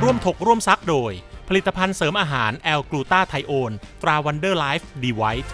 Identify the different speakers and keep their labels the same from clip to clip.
Speaker 1: ร่วมถกร่วมซักโดยผลิตภัณฑ์เสริมอาหารแอลกลูตาไทโอนตราวันเดอร์ไลฟ์ดีไวท์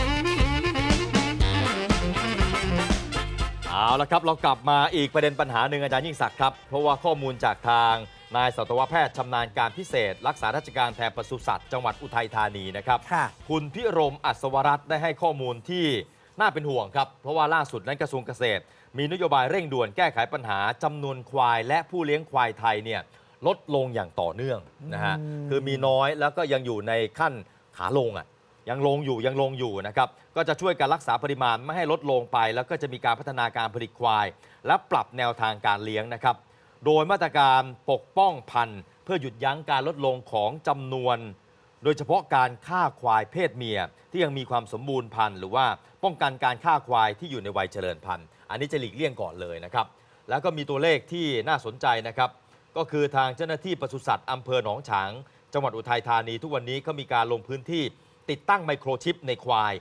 Speaker 2: เอาละครับเรากลับมาอีกประเด็นปัญหาหนึ่งอาจารย์ยิ่งศักดิ์ครับเพราะว่าข้อมูลจากทางนายสัตวแพทย์ชำนาญการพิเศษรักษาราชการแทนปศุสัตว์จังหวัดอุทัยธานีนะครับคุณพิรมอัศวรัตน์ได้ให้ข้อมูลที่น่าเป็นห่วงครับเพราะว่าล่าสุดนั้นกระทรวงเกษตรมีนโยบายเร่งด่วนแก้ไขปัญหาจำนวนควายและผู้เลี้ยงควายไทยเนี่ยลดลงอย่างต่อเนื่องนะฮะคือมีน้อยแล้วก็ยังอยู่ในขั้นขาลงยังลงอยู่นะครับก็จะช่วยการรักษาปริมาณไม่ให้ลดลงไปแล้วก็จะมีการพัฒนาการผลิตควายและปรับแนวทางการเลี้ยงนะครับโดยมาตรการปกป้องพันธุ์เพื่อหยุดยั้งการลดลงของจำนวนโดยเฉพาะการฆ่าควายเพศเมียที่ยังมีความสมบูรณ์พันธุ์หรือว่าป้องกันการฆ่าควายที่อยู่ในวัยเจริญพันธุ์อันนี้จะหลีกเลี่ยงก่อนเลยนะครับแล้วก็มีตัวเลขที่น่าสนใจนะครับก็คือทางเจ้าหน้าที่ปศุสัตว์อำเภอหนองฉางจังหวัดอุทัยธานีทุกวันนี้เขามีการลงพื้นที่ติดตั้งไมโครชิปในควาย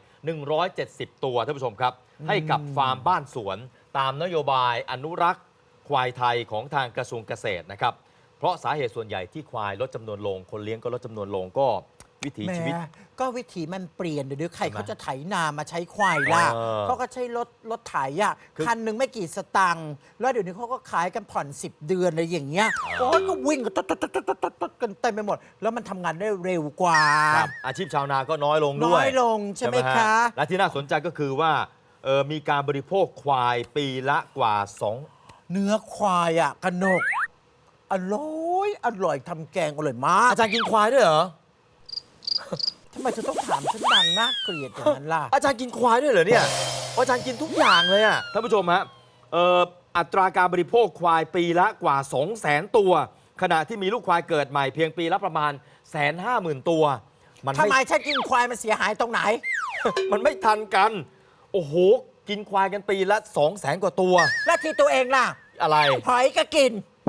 Speaker 2: 170ตัวท่านผู้ชมครับให้กับฟาร์มบ้านสวนตามนโยบายอนุรักษ์ควายไทยของทางกระทรวงเกษตรนะครับเพราะสาเหตุส่วนใหญ่ที่ควายลดจำนวนลงคนเลี้ยงก็ลดจำนวนลงก็วิถีชีวิต
Speaker 3: ก็วิถีมันเปลี่ยนเดี๋ยวใครเขาจะไถนามาใช้ควายล่ะเขาก็ใช้รถไถคันหนึ่งไม่กี่สตังค์แล้วเดี๋ยวนี้เขาก็ขายกันผ่อน10 เดือนอะไรอย่างเงี้ยโอ้ยก็วิ่งกันเต็มไปหมดแล้วมันทำงานได้เร็วกว่า
Speaker 2: อาชีพชาวนาก็น้อยลงด้วย
Speaker 3: น้อยลงใช่ไหมคะ
Speaker 2: และที่น่าสนใจก็คือว่ามีการบริโภคควายปีละกว่า2
Speaker 3: เนื้อควายกระหนกอร่อยทำแกงอร่อยมาก
Speaker 2: อาจารย์กินควายด้วยเหรอ
Speaker 3: ทำไมจะต้องถามฉันดังน่าเกลียดอย่างนั้นล่ะ
Speaker 2: อาจารย์กินควายด้วยเหรอเนี่ยอาจารย์กินทุกอย่างเลยท่านผู้ชมฮะอัตราการบริโภคควายปีละกว่า 200,000 ตัวขณะที่มีลูกควายเกิดใหม่เพียงปีละประมาณ 150,000 ตัว
Speaker 3: ทำไมฉันกินควายมันเสียหายตรงไหน
Speaker 2: มันไม่ทันกันโอ้โหกินควายกันปีละ 200,000 กว่าตัว
Speaker 3: แล้วที่ตัวเองล่ะ
Speaker 2: อะไร
Speaker 3: หอยก็กิน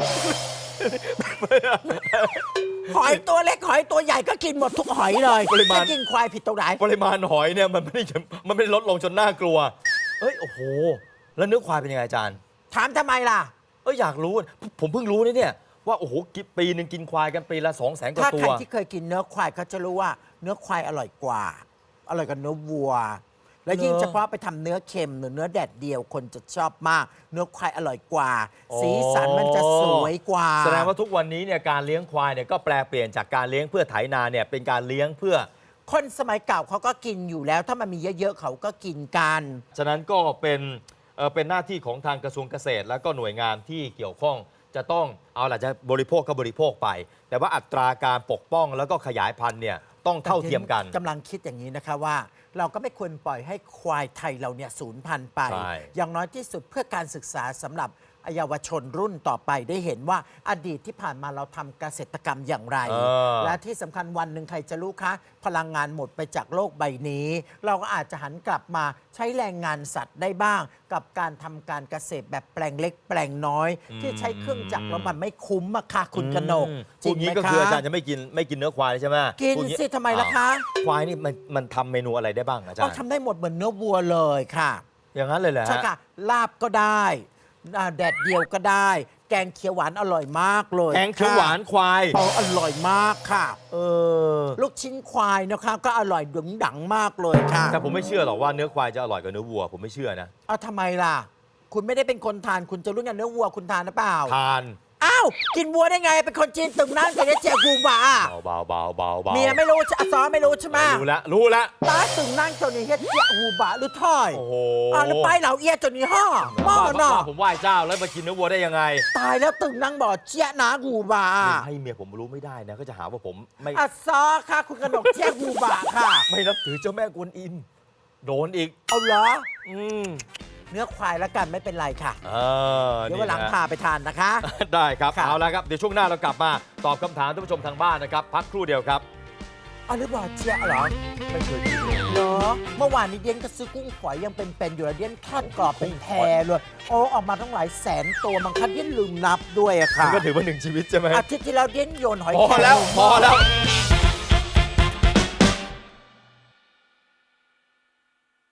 Speaker 3: หอยตัวเล็กหอยตัวใหญ่ก็กินหมดทุกหอยเลย
Speaker 2: ปริมาณ
Speaker 3: กินควายผิดตรงไหน
Speaker 2: ปริมาณหอยเนี่ยมันไม่ได้ลดลงจนน่ากลัวโอ้โหแล้วเนื้อควายเป็นยังไงอาจารย์
Speaker 3: ถามทำไมล่ะ
Speaker 2: อยากรู้ผมเพิ่งรู้เนี่ยว่าโอ้โหปีนึงกินควายกันปีละ 200,000 กว่าตัว
Speaker 3: ถ้าใครที่เคยกินเนื้อควายเขาจะรู้ว่าเนื้อควายอร่อยกว่าอร่อยกว่าเนื้อวัวแล้วยิ่งเฉพาะไปทำเนื้อเค็มหรือเนื้อแดดเดียวคนจะชอบมากเนื้อควายอร่อยกว่าสีสันมันจะสวยกว่า
Speaker 2: แสดงว่าทุกวันนี้เนี่ยการเลี้ยงควายเนี่ยก็แปลเปลี่ยนจากการเลี้ยงเพื่อไถนาเนี่ยเป็นการเลี้ยงเพื่อ
Speaker 3: คนสมัยเก่าเขาก็กินอยู่แล้วถ้ามันมีเยอะๆเขาก็กินกัน
Speaker 2: ฉะนั้นก็เป็นหน้าที่ของทางกระทรวงเกษตรและก็หน่วยงานที่เกี่ยวข้องจะต้องเอาล่ะจะบริโภคก็บริโภคไปแต่ว่าอัตราการปกป้องแล้วก็ขยายพันธุ์เนี่ยต้องเท่าเทียมกัน
Speaker 3: กำลังคิดอย่างนี้นะคะว่าเราก็ไม่ควรปล่อยให้ควายไทยเราเนี่ยสูญพันธุ์ไปอย่างน้อยที่สุดเพื่อการศึกษาสำหรับเยาวชนรุ่นต่อไปได้เห็นว่าอดีตที่ผ่านมาเราทำเกษตรกรรมอย่างไรและที่สำคัญวันหนึ่งใครจะรู้คะพลังงานหมดไปจากโลกใบนี้เราก็อาจจะหันกลับมาใช้แรงงานสัตว์ได้บ้างกับการทำการเกษตรแบบแปลงเล็กแปลงน้อยที่ใช้เครื่องจักรแล้วมันไม่คุ้มค่ะคุณกนก
Speaker 2: จริงไหมคะก็คืออาจารย์จะไม่กินเนื้อควายใช่ไหม
Speaker 3: กินสิทำไมล่ะคะ
Speaker 2: ควายนี่มันทำเมนูอะไรได้บ้างอาจารย์
Speaker 3: ทำได้หมดเหมือนเนื้อวัวเลยค่ะ
Speaker 2: อย่างนั้นเลยเหรอ
Speaker 3: ใช่ค่ะลาบก็ได้แดดเดียวก็ได้แกงเขียวหวานอร่อยมากเลย
Speaker 2: แกงเขียวหวานควาย
Speaker 3: อร่อยมากค่ะลูกชิ้นควายนะคะก็อร่อยดึงดังมากเลยค่ะ
Speaker 2: แต่ผมไม่เชื่อหรอกว่าเนื้อควายจะอร่อยกว่าเนื้อวัวผมไม่เชื่อนะ
Speaker 3: ทำไมล่ะคุณไม่ได้เป็นคนทานคุณจะรู้ไงเนื้อวัวคุณทานหรือเปล่า
Speaker 2: ทาน
Speaker 3: กินวัวได้ไงเป็นคนจีนตึงนั่งกับเจียกูบ่า
Speaker 2: เบา
Speaker 3: เมียไม่รู้ซอไม่รู้ใช่ไหม
Speaker 2: รู้แล้ว
Speaker 3: ตาตึงนั่งจนนี้เจียกูบ่าหรือถ้อยแล้วไปเหล่าเอียจนนี้ห่อหม้อเนาะ
Speaker 2: ผมไหว้เจ้าแล้วมากินเนื้อวัวได้ยังไง
Speaker 3: ตายแล้วตึงนั่งบอกเจียนากูบ่า
Speaker 2: ให้เมียผมรู้ไม่ได้นะก็จะหาว่าผมไม่
Speaker 3: ซอค่ะคุณกนกเจียกูบ่าค่ะ
Speaker 2: ไม่นับถือเจ้าแม่กวนอิมโดนอีก
Speaker 3: เอาเหรอเนื้อควายแล้วกันไม่เป็นไรค่ะเดี๋ยววันหลังพาไปทานนะคะ
Speaker 2: ได้ครับเอาละครับเดี๋ยวช่วงหน้าเรากลับมาตอบคำถามท่านผู้ชมทางบ้านนะครับพักครู่เดียวครับ
Speaker 3: หรือบอกเจี๊ยเหรอ
Speaker 2: ไม่เคยกิน
Speaker 3: เหรอเมื่อวานนี้เดียนก็ซื้อกุ้งฝอยยังเป็นอยู่แล้วเดียนทอดกรอบเป็นแพรเลยออกมาทั้งหลายแสนตัวบางครั้งเดียนลืมนับด้วยค่ะ
Speaker 2: ก็ถือว่า1 ชีวิตใช่ไหม
Speaker 3: อาทิตย์ที่แล้วเดียนโยนหอย
Speaker 2: พอแล้ว